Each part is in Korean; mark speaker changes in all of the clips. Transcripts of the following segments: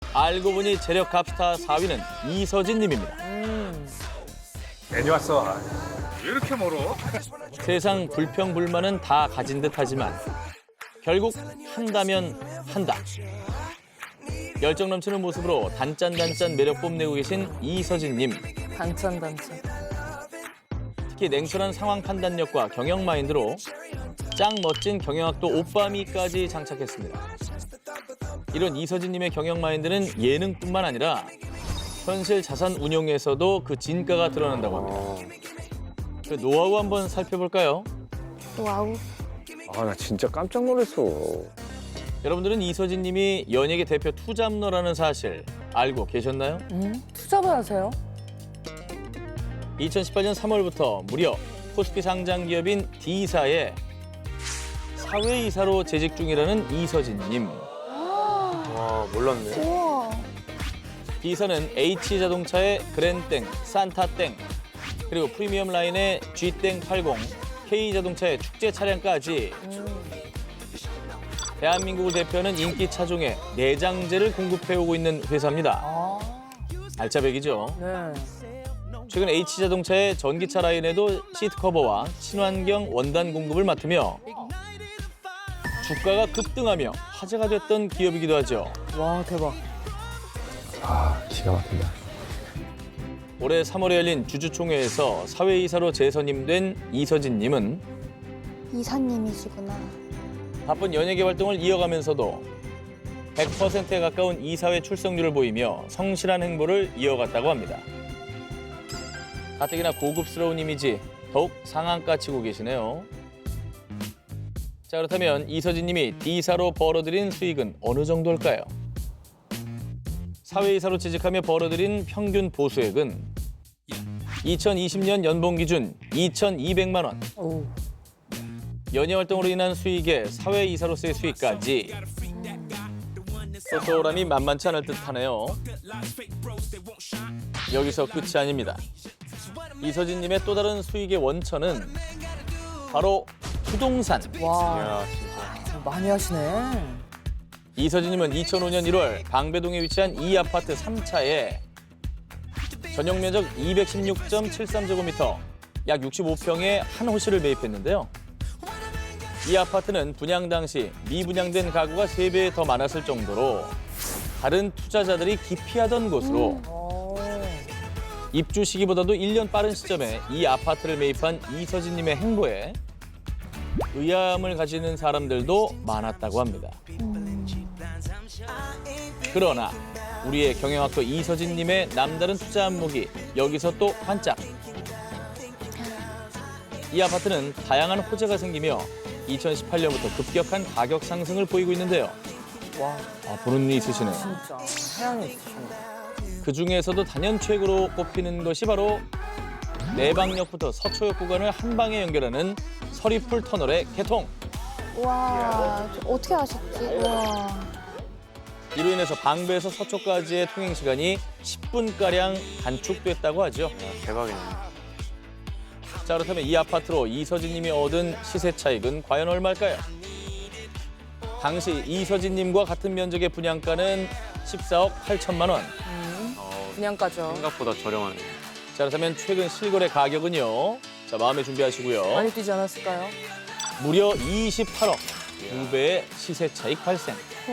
Speaker 1: 알고 보니 재력 갑스타 4위는 이서진 님입니다.
Speaker 2: 괜히 왔어. 아, 왜 이렇게 멀어?
Speaker 1: 세상 불평불만은 다 가진 듯하지만 결국 한다면 한다. 열정 넘치는 모습으로 단짠단짠 매력 뽐내고 계신 이서진 님.
Speaker 3: 단짠.
Speaker 1: 특히 냉철한 상황 판단력과 경영 마인드로 짱 멋진 경영학도 오빠미까지 장착했습니다. 이런 이서진 님의 경영 마인드는 예능뿐만 아니라 현실 자산 운용에서도 그 진가가 드러난다고 합니다. 그 노하우 한번 살펴볼까요?
Speaker 4: 와우.
Speaker 5: 아, 나 진짜 깜짝 놀랐어.
Speaker 1: 여러분들은 이서진 님이 연예계 대표 투잡러라는 사실 알고 계셨나요?
Speaker 3: 투잡을 하세요?
Speaker 1: 2018년 3월부터 무려 코스피 상장 기업인 D사에 사회이사로 재직 중이라는 이서진 님.
Speaker 5: 와, 몰랐네.
Speaker 4: 우와.
Speaker 1: D사는 H자동차의 그랜땡, 산타땡, 그리고 프리미엄 라인의 G땡80, K자동차의 축제 차량까지 대한민국을 대표하는 인기 차종의 내장재를 공급해오고 있는 회사입니다. 알짜배기죠.
Speaker 3: 네.
Speaker 1: 최근 H자동차의 전기차 라인에도 시트 커버와 친환경 원단 공급을 맡으며 주가가 급등하며 화제가 됐던 기업이기도 하죠.
Speaker 3: 와, 대박.
Speaker 5: 아, 기가 막힌다.
Speaker 1: 올해 3월에 열린 주주총회에서 사회이사로 재선임된 이서진 님은
Speaker 4: 이사님이시구나.
Speaker 1: 바쁜 연예계 활동을 이어가면서도 100%에 가까운 이사회 출석률을 보이며 성실한 행보를 이어갔다고 합니다. 가뜩이나 고급스러운 이미지 더욱 상한가 치고 계시네요. 자, 그렇다면 이서진 님이 D사로 벌어들인 수익은 어느 정도일까요? 사회이사로 취직하며 벌어들인 평균 보수액은 2020년 연봉 기준 2,200만 원.
Speaker 3: 오.
Speaker 1: 연예 활동으로 인한 수익에 사회이사로서의 수익까지 쏠쏠함이 만만치 않을 듯하네요. 여기서 끝이 아닙니다. 이서진님의 또 다른 수익의 원천은 바로 부동산.
Speaker 3: 와,
Speaker 5: 야, 진짜.
Speaker 3: 많이 하시네.
Speaker 1: 이서진님은 2005년 1월 방배동에 위치한 이 아파트 3차에 전용 면적 216.73제곱미터, 약 65평의 한 호실을 매입했는데요. 이 아파트는 분양 당시 미분양된 가구가 3배 더 많았을 정도로 다른 투자자들이 기피하던 곳으로 입주 시기보다도 1년 빠른 시점에 이 아파트를 매입한 이서진님의 행보에 의아함을 가지는 사람들도 많았다고 합니다. 그러나 우리의 경영학도 이서진님의 남다른 투자 안목이 여기서 또 반짝. 이 아파트는 다양한 호재가 생기며 2018년부터 급격한 가격 상승을 보이고 있는데요.
Speaker 3: 와,
Speaker 1: 보는 눈이 있으시네요.
Speaker 3: 진짜. 태양이 있으시네.
Speaker 1: 그 중에서도 단연 최고로 꼽히는 것이 바로 내방역부터 서초역 구간을 한 방에 연결하는 서리풀 터널의 개통.
Speaker 4: 와, 어떻게 아셨지? 와.
Speaker 1: 이로 인해서 방배에서 서초까지의 통행 시간이 10분가량 단축됐다고 하죠.
Speaker 5: 대박이네.
Speaker 1: 자, 그렇다면 이 아파트로 이서진님이 얻은 시세 차익은 과연 얼마일까요? 당시 이서진님과 같은 면적의 분양가는 14억 8천만 원.
Speaker 3: 분양가죠.
Speaker 5: 생각보다 저렴하네.
Speaker 1: 자, 그렇다면 최근 실거래 가격은요. 자, 마음에 준비하시고요.
Speaker 3: 많이 뛰지 않았을까요?
Speaker 1: 무려 28억. 2배의 시세 차익 발생.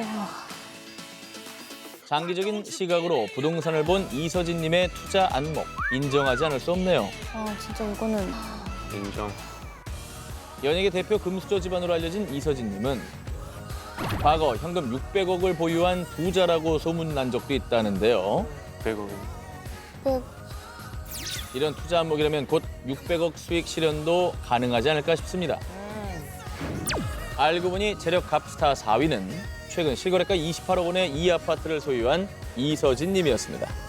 Speaker 1: 장기적인 시각으로 부동산을 본 이서진님의 투자 안목 인정하지 않을 수 없네요.
Speaker 4: 아, 진짜 이거는.
Speaker 5: 인정.
Speaker 1: 연예계 대표 금수저 집안으로 알려진 이서진님은 과거 현금 600억을 보유한 부자라고 소문난 적도 있다는데요.
Speaker 5: 100억.
Speaker 4: 백.
Speaker 1: 이런 투자 안목이라면 곧 600억 수익 실현도 가능하지 않을까 싶습니다. 알고 보니 재력 갑스타 4위는 최근 실거래가 28억 원의 이 아파트를 소유한 이서진 님이었습니다.